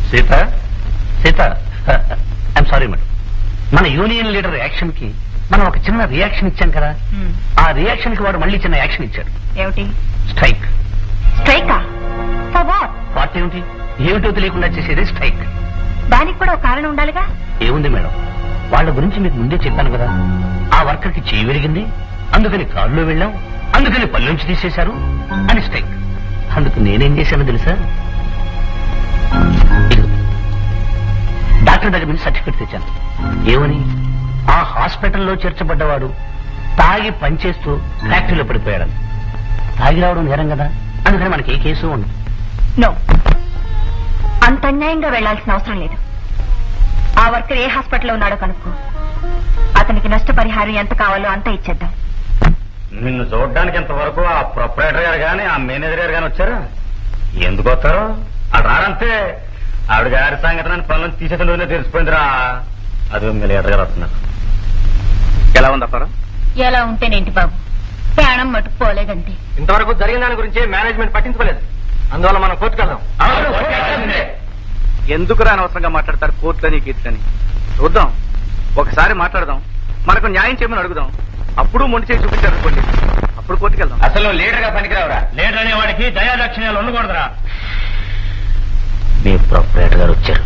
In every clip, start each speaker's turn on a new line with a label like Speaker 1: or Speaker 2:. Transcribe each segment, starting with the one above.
Speaker 1: Sita Seeta I'm sorry madam, మన union leader action కి మనం ఒక చిన్న రియాక్షన్ ఇచ్చాం కదా, ఆ రియాక్షన్ కి వాడు మళ్ళీ చిన్న యాక్షన్ ఇచ్చాడు.
Speaker 2: ఏమిటి?
Speaker 1: స్ట్రైక్.
Speaker 2: స్ట్రైకా? For what?
Speaker 1: వాట్ ఏమిటి? ఏమిటో తెలియకుండా చేసేది స్ట్రైక్.
Speaker 2: దానికి కూడా ఒక కారణం ఉండాలిగా.
Speaker 1: ఏముంది మేడం, వాళ్ళ గురించి మీకు ముందే చెప్పాను కదా, ఆ వర్కర్ కి చేయి విరిగింది, అందుకని కారులో వెళ్ళాం, అందుకని పల్లెంచి తీసేశారు అని స్ట్రైక్. అందుకు నేనేం చేశానో తెలుసా? డాక్టర్ దగ్గర నుంచి సర్టిఫికెట్ తెచ్చాను. ఏమని? ఆ హాస్పిటల్లో చేర్చబడ్డవాడు తాగి పనిచేస్తూ ఫ్యాక్టరీలో పడిపోయాడు. తాగి రావడం నేరం కదా, అందుకని మనకి ఏ కేసు ఉండదు.
Speaker 2: నో, అంత అన్యాయంగా వెళ్లాల్సిన అవసరం లేదు. ఆ వర్కర్ ఏ హాస్పిటల్లో ఉన్నాడో కనుక్కో, అతనికి నష్టపరిహారం ఎంత కావాలో అంత ఇచ్చేద్దాం.
Speaker 1: నిన్ను చూడడానికి ఇంతవరకు ఆ ప్రొపరేటర్ గారు గాని ఆ మేనేజర్ గారు గాని వచ్చారు. ఎందుకు వస్తారు? అది రారంతే. ఆవిడ గారి సంగతి పనులను తీసేసిన తెలిసిపోయిందిరా. అది మీ లీడర్ గారు వస్తున్నారు. ఎలా ఉంది అప్పారా?
Speaker 2: ఎలా ఉంటేనేంటి బాబు, ప్రాణం మటుకు పోలేదంటే.
Speaker 1: ఇంతవరకు జరిగిన దాని గురించి మేనేజ్మెంట్ పట్టించుకోలేదు, అందువల్ల మనం కోర్టుకు వెళ్దాం.
Speaker 3: ఎందుకు అనవసరంగా మాట్లాడతారు కోర్టులని గీట్లని? చూద్దాం, ఒకసారి మాట్లాడదాం, మనకు న్యాయం చేయమని అడుగుదాం. అప్పుడు మొండి చేసి చూపించారు అనుకోండి, అప్పుడు కోర్టుకు వెళ్దాం.
Speaker 1: అసలు లీడర్ గా పనికిరావురా. లీడర్ అనే వాడికి దయాదక్షిణాలు ఉండకూడదురా. మీ ప్రొపరేటర్ గారు వచ్చారు.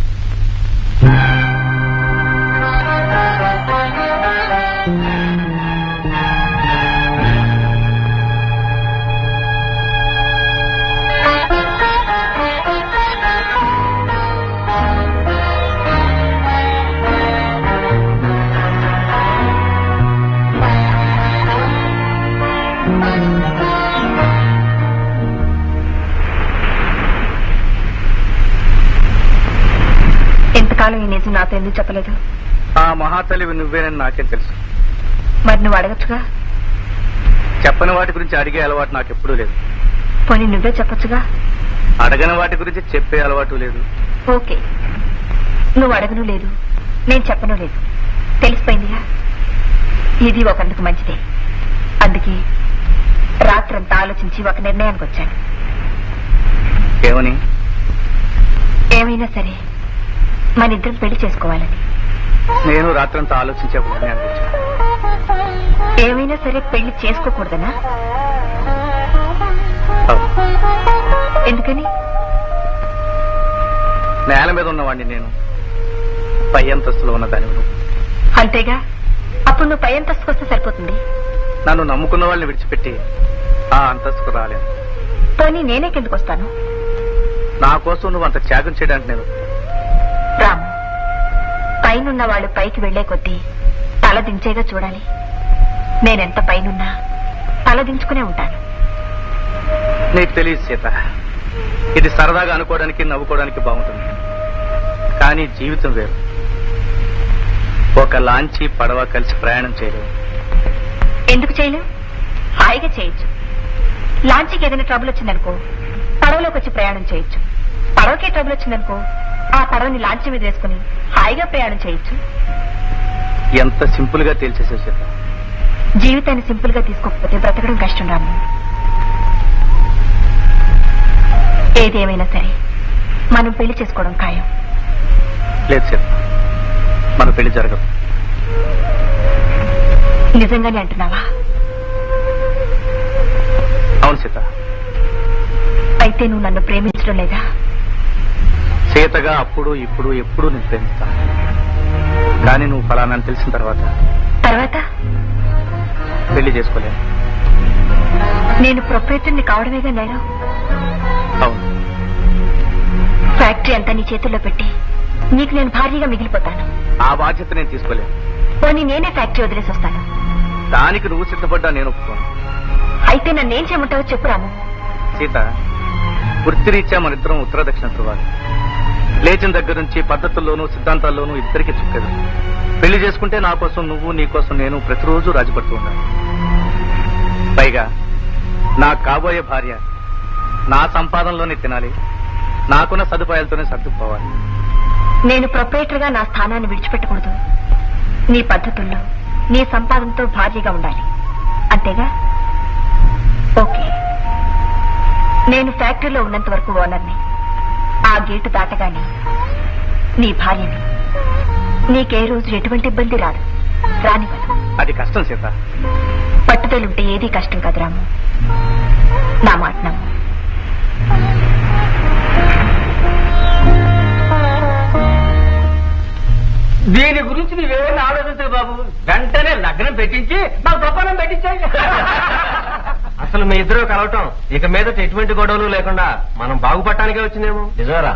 Speaker 2: ఎంతకాలం ఈ నిజం నాతో ఎందుకు చెప్పలేదు?
Speaker 3: ఆ మహాతల్లివి నువ్వేనని నాకేం తెలుసు.
Speaker 2: మరి నువ్వు అడగచ్చుగా.
Speaker 3: చెప్పని వాటి గురించి అడిగే అలవాటు నాకు ఎప్పుడూ లేదు.
Speaker 2: పోనీ నువ్వే చెప్పొచ్చుగా.
Speaker 3: అడగని వాటి గురించి చెప్పే అలవాటు లేదు.
Speaker 2: ఓకే, నువ్వు అడగను లేదు, నేను చెప్పను లేదు, తెలిసిపోయిందిగా. ఇది ఒకందుకు మంచిదే. అందుకే రాత్రంతా ఆలోచించి ఒక నిర్ణయానికి వచ్చాను.
Speaker 3: ఏమని?
Speaker 2: ఏమైనా సరే మన ఇద్దరం పెళ్లి చేసుకోవాలని.
Speaker 3: నేను రాత్రంతా ఆలోచించే ఒక నిర్ణయానికి వచ్చాను.
Speaker 2: ఏమైనా సరే పెళ్లి చేసుకోకూడదనా? ఎందుకని?
Speaker 3: నేల మీద ఉన్నవాడిని నేను, పై అంతస్తులో ఉన్న దాని నువ్వు.
Speaker 2: అంతేగా, అప్పుడు నువ్వు పై అంతస్తుకు వస్తే సరిపోతుంది.
Speaker 3: నన్ను నమ్ముకున్న వాళ్ళని విడిచిపెట్టి ఆ అంతస్తుకు రాలేను.
Speaker 2: పోనీ నేనే కిందకు వస్తాను.
Speaker 3: నా కోసం నువ్వు అంత త్యాగం చేయడానికి నేను.
Speaker 2: రాము, పైనున్న వాళ్ళు పైకి వెళ్లే కొద్దీ తల దించేగా చూడాలి. నేనెంత పైనున్నా తల దించుకునే ఉంటాను.
Speaker 3: నీకు తెలియదు సీత, ఇది సరదాగా అనుకోవడానికి నవ్వుకోవడానికి బాగుంటుంది, కానీ జీవితం వేరు. ఒక లాంచీ పడవ కలిసి ప్రయాణం చేయలేవు.
Speaker 2: ఎందుకు చేయలేవు? హాయిగా చేయొచ్చు. లాంచీకి ఏదైనా ట్రబుల్ వచ్చిందనుకో, పడవలోకి వచ్చి ప్రయాణం చేయొచ్చు. పడవకే ట్రబుల్ వచ్చిందనుకో, ఆ పడవని లాంచీ మీద వేసుకుని హాయిగా ప్రయాణం చేయొచ్చు.
Speaker 3: ఎంత సింపుల్ గా తేల్చేసావు సీత.
Speaker 2: జీవితాన్ని సింపుల్ గా తీసుకోకపోతే బ్రతకడం కష్టం రాము. ఏదేమైనా సరే మనం పెళ్లి చేసుకోవడం ఖాయం.
Speaker 3: లేదు సీత, మన పెళ్లి జరగదు.
Speaker 2: నిజంగానే అంటున్నావా?
Speaker 3: అవును సీత.
Speaker 2: అయితే నువ్వు నన్ను ప్రేమించడం లేదా?
Speaker 3: సీతగా అప్పుడు ఇప్పుడు ఎప్పుడు నేను ప్రేమిస్తాను, కానీ నువ్వు ఫలానా తెలిసిన తర్వాత పెళ్లి చేసుకోలేను.
Speaker 2: నేను ప్రొపరేటర్ని కావడమేగా నేరం.
Speaker 3: అవును.
Speaker 2: ఫ్యాక్టరీ అంతా నీ చేతుల్లో పెట్టి నీకు నేను భారీగా మిగిలిపోతాను.
Speaker 3: ఆ బాధ్యత నేను తీసుకోలేను.
Speaker 2: పోనీ నేనే ఫ్యాక్టరీ వదిలేసి వస్తాను.
Speaker 3: దానికి నువ్వు సిద్ధపడ్డా నేను ఒప్పుకోను.
Speaker 2: అయితే నన్నేం చేయమంటావో చెప్పు రాము.
Speaker 3: సీత, వృత్తిరీత్యా మన ఇద్దరం ఉత్తర దక్షిణ ధృవాలు. లేచిన దగ్గర నుంచి పద్ధతుల్లోనూ సిద్ధాంతాల్లోనూ ఇద్దరికి చుక్కదు. పెళ్లి చేసుకుంటే నా కోసం నువ్వు, నీ కోసం నేను ప్రతిరోజు రాజుపడుతూ ఉన్నాను. పైగా నా కాబోయే భార్య నా సంపాదనలోనే తినాలి, నాకున్న సదుపాయాలతోనే సర్దుకుపోవాలి.
Speaker 2: నేను ప్రొపరేటర్ గా నా స్థానాన్ని విడిచిపెట్టకూడదు. నీ పద్ధతుల్లో నీ సంపాదనతో భారీగా ఉండాలి, అంతేగా? ఓకే, నేను ఫ్యాక్టరీలో ఉన్నంత వరకు ఓనర్ని. ఆ గేటు దాటగానే నీ భార్యని నీకే రోజు ఎటువంటి ఇబ్బంది రాదు, రానివ్వను.
Speaker 3: అది కష్టం సీత.
Speaker 2: పట్టుదలుంటే ఏదీ కష్టం కాదు రాము, నా మాట నమ్ము.
Speaker 4: దీని గురించి నీవేమైనా ఆలోచించదు బాబు, వెంటనే లగ్నం పెట్టించి నాకు ప్రపంచం పెట్టించాయి. అసలు మీ ఇద్దరు కలవటం ఇక మీద ఎటువంటి గొడవలు లేకుండా మనం బాగుపడటానికే వచ్చిందేమో. నిజమేరా?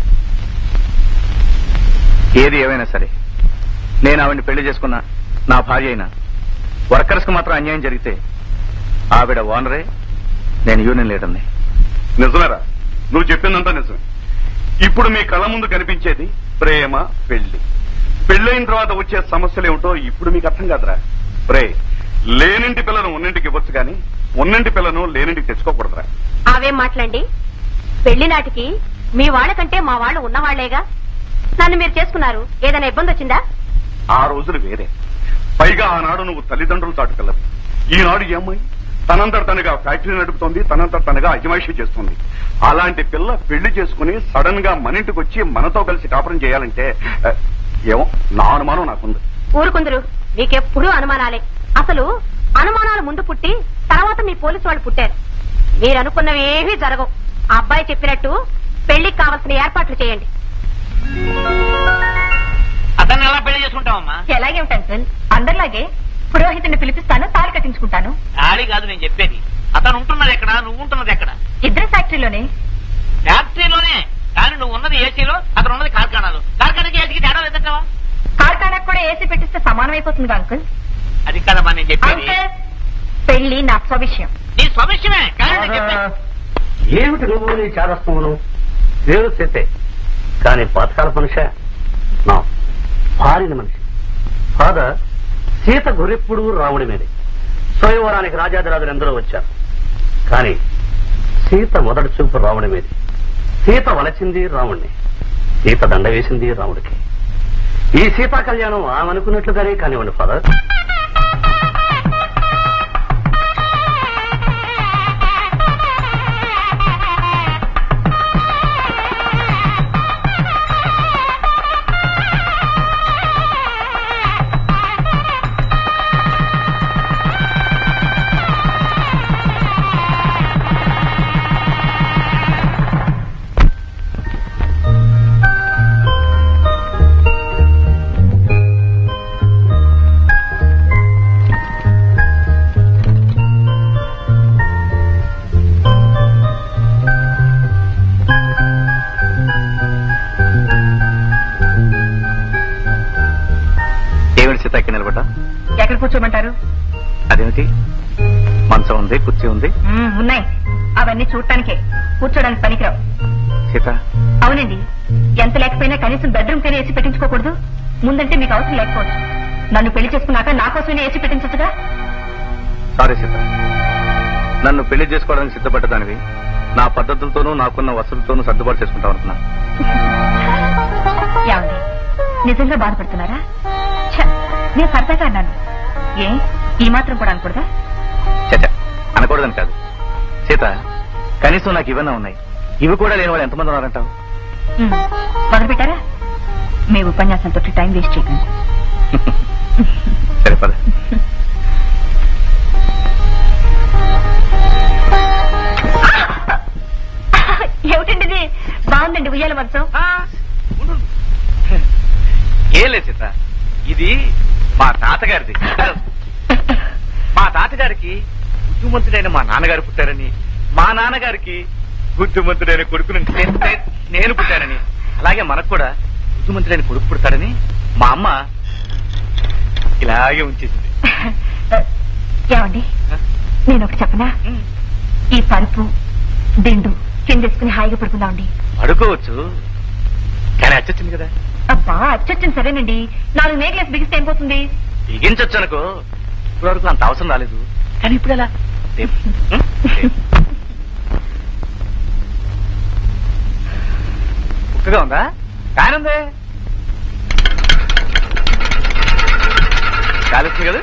Speaker 3: ఏది ఏమైనా సరే నేను ఆవిడ్ని పెళ్లి చేసుకున్నా, నా భార్య అయినా వర్కర్స్ కు మాత్రం అన్యాయం జరిగితే ఆవిడ ఓనరే, నేను యూనియన్ లీడర్ని.
Speaker 5: నిజమేరా, నువ్వు చెప్పిందంతా నిజమే. ఇప్పుడు మీ కళ్ళ ముందు కనిపించేది ప్రేమ, పెళ్లి. పెళ్ళైన తర్వాత వచ్చే సమస్యలు ఏమిటో ఇప్పుడు మీకు అర్థం కాదురా. ప్రే లేనింటి పిల్లను ఉన్నింటికి ఇవ్వచ్చు కానీ ఉన్నింటి పిల్లను లేనింటికి తెచ్చుకోకూడదురా.
Speaker 6: అవే మాట్లాడండి. పెళ్లి నాటికి మీ వాళ్ళకంటే మా వాళ్ళు ఉన్నవాళ్లేగా. నన్ను మీరు చేసుకున్నారు, ఏదైనా ఇబ్బంది వచ్చిందా?
Speaker 5: ఆ రోజులు వేరే. పైగా ఆనాడు నువ్వు తల్లిదండ్రులు చాటుకెళ్ళవు. ఈనాడు ఈ అమ్మాయి తనంతట తనగా ఫ్యాక్టరీ నడుపుతోంది, తనంతట తనగా అజమాయిషీ చేస్తుంది. అలాంటి పిల్ల పెళ్లి చేసుకుని సడన్ గా మన ఇంటికి వచ్చి మనతో కలిసి కాపురం చేయాలంటే ఏమో నా అనుమానం నాకుంది.
Speaker 6: ఊరుకుందరు, మీకెప్పుడూ అనుమానాలే. అసలు అనుమానాలు ముందు పుట్టి తర్వాత మీ పోలీసు వాళ్ళు పుట్టారు. మీరు అనుకున్నవి ఏమీ జరగవు. ఆ అబ్బాయి చెప్పినట్టు పెళ్లికి కావాల్సిన ఏర్పాట్లు చేయండి.
Speaker 4: అతన్ని ఎలా పెళ్లి చేసుకుంటావమ్మా?
Speaker 2: ఎలాగే ఉంటాను సార్, అందరిలాగే పురోహితుడిని పిలిపిస్తాను, తాళి కట్టించుకుంటాను.
Speaker 4: ఖాళీ కాదు నేను చెప్పేది. అతను ఉంటున్నది ఎక్కడ, నువ్వు ఉంటున్నది ఎక్కడ?
Speaker 2: ఇద్దరు ఫ్యాక్టరీలోనే.
Speaker 4: ఫ్యాక్టరీలోనే, కానీ నువ్వు ఉన్నది ఏసీలో, అతను ఉన్నది కార్ఖానాలో. కార్ఖానాకి ఏసీకి తేడా లేదంటావా?
Speaker 2: కార్ఖానాకు కూడా ఏసీ పెట్టిస్తే సమానం అయిపోతుంది అంకుల్.
Speaker 4: అది కదమ్మా నేను చెప్పేది.
Speaker 2: అంకుల్, పెళ్లి నా స్వవిషయం.
Speaker 4: నీ స్వవిషయమే, కానీ నేను చెప్పేది
Speaker 7: ఏమిటి నువ్వు నీ చారస్తమును? పేరు చేతే కానీ పాతకాల మనిషి, నా భార్యని మనిషి. ఫాదర్, సీత గురెప్పుడు రాముడి మీదే. స్వయంవరానికి రాజాదిరాజులు ఎందరో వచ్చారు, కానీ సీత మొదటి చూపు రాముడి మీదే. సీత వలచింది రాముడిని, సీత దండ వేసింది రాముడికి. ఈ సీతా కళ్యాణం ఆమె అనుకున్నట్లుగానే కానివ్వండి ఫాదర్.
Speaker 3: సీతాకి నిలబడ్డా?
Speaker 2: ఎక్కడ కూర్చోమంటారు?
Speaker 3: అదేమిటి, మంచం ఉంది, కుర్చీ ఉంది.
Speaker 2: ఉన్నాయి, అవన్నీ చూడటానికే, కూర్చోడానికి పనికిరావు.
Speaker 3: సీత,
Speaker 2: అవునండి, ఎంత లేకపోయినా కనీసం బెడ్రూమ్ కైనా ఏసీ పెట్టించుకోకూడదు? ముందంటే మీకు అవసరం లేకపోవచ్చు, నన్ను పెళ్లి చేసుకున్నాక నా కోసమైనా ఏసీ పెట్టించచ్చుగా.
Speaker 3: సారీ సీత, నన్ను పెళ్లి చేసుకోవడానికి సిద్ధపడ్డదానివి నా పద్ధతులతోనూ నాకున్న వసతులతోనూ సర్దుబాటు చేసుకుంటాం అనుకున్నా.
Speaker 2: ఏమండి, నిజంగా బాధపడుతున్నారా? నేను సరదాగా అన్నాను, ఏ ఈ మాత్రం కూడా అనకూడదా?
Speaker 3: చచ్చ, అనకూడదని కాదు సీత, కనీసం నాకు ఇవన్నీ ఉన్నాయి, ఇవి కూడా లేని వాళ్ళు ఎంతమంది ఉన్నారంటావు?
Speaker 2: మొదలు పెట్టారా? మీ ఉపన్యాసంతో టైం వేస్ట్ చేయకండి.
Speaker 3: సరే పద.
Speaker 2: ఏమిటండి ఇది? బాగుందండి ఉయ్యాల మంచం.
Speaker 3: ఏం లేదు సీత, ఇది మా తాతగారిది. మా తాతగారికి బుద్ధిమంతుడైన మా నాన్నగారు పుట్టారని, మా నాన్నగారికి బుద్ధిమంతుడైన కొడుకుని నేను పుట్టానని, అలాగే మనకు కూడా బుద్ధిమంతుడైన కొడుకు పుడతాడని మా అమ్మ ఇలాగే ఉంచేసింది.
Speaker 2: ఏమండి, నేను ఒకటి చెప్పనా? ఈ పరుపు దిండు కిందేసుకుని హాయిగా పడుకుందామండి.
Speaker 3: పడుకోవచ్చు, కానీ అచ్చొచ్చింది కదా.
Speaker 2: అబ్బా, అచ్చొచ్చింది సరేనండి, 4 నేగ్లెస్ బిగిస్తే ఏం పోతుంది?
Speaker 3: బిగించొచ్చు అనుకో, ఇప్పటి వరకు అంత అవసరం రాలేదు, కానీ ఇప్పుడు ఎలా? ఉక్కగా ఉందా? కానుందే, కాలుస్తుంది కదా,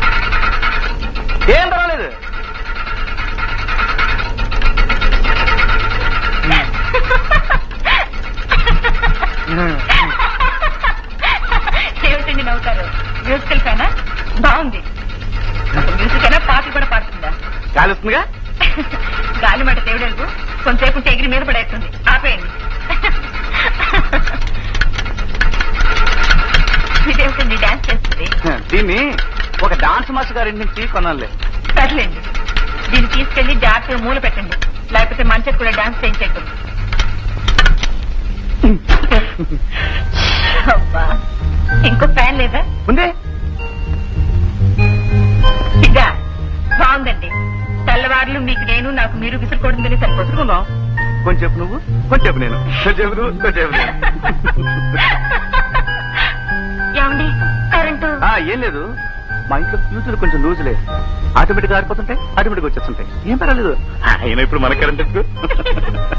Speaker 3: ఏం పర్వాలేదు. వస్తుందిగా
Speaker 2: గాలి మాట దేవుడెలుగు కొంతసేపు ఉంటే ఎగిరి మీద పడేస్తుంది ఆపేయండి ఇదేమిటండి డాన్స్ చేస్తుంది
Speaker 3: దీన్ని ఒక డాన్స్ మాస్టర్ గారి నుంచి కొనాలి.
Speaker 2: సర్లేండి దీన్ని తీసుకెళ్లి జాగ్రత్తగా మూల పెట్టండి లేకపోతే మంచిగా కూడా డాన్స్ చేయించేట్టు అబ్బా ఇంకో ఫ్యాన్ లేదా
Speaker 3: ఉందే
Speaker 2: ఇదా బాగుందండి తెల్లవారులు మీకు నేను నాకు మీరు విసురుకోవడం సరిపోతుంది
Speaker 3: ఉందాం. కొంచెం నువ్వు కొంచెం నేను కొంచెం నువ్వు కొంచెం నేను.
Speaker 2: ఏమండి కరెంటు
Speaker 3: ఏం లేదు, మా ఇంట్లో ఫ్యూచర్ కొంచెం లూజులే, ఆటోమేటిక్ గా ఆడిపోతుంటాయి, ఆటోమేటిక్ వచ్చేస్తుంటాయి, ఏం పర్వాలేదు. అయినా ఇప్పుడు మన కరెంట్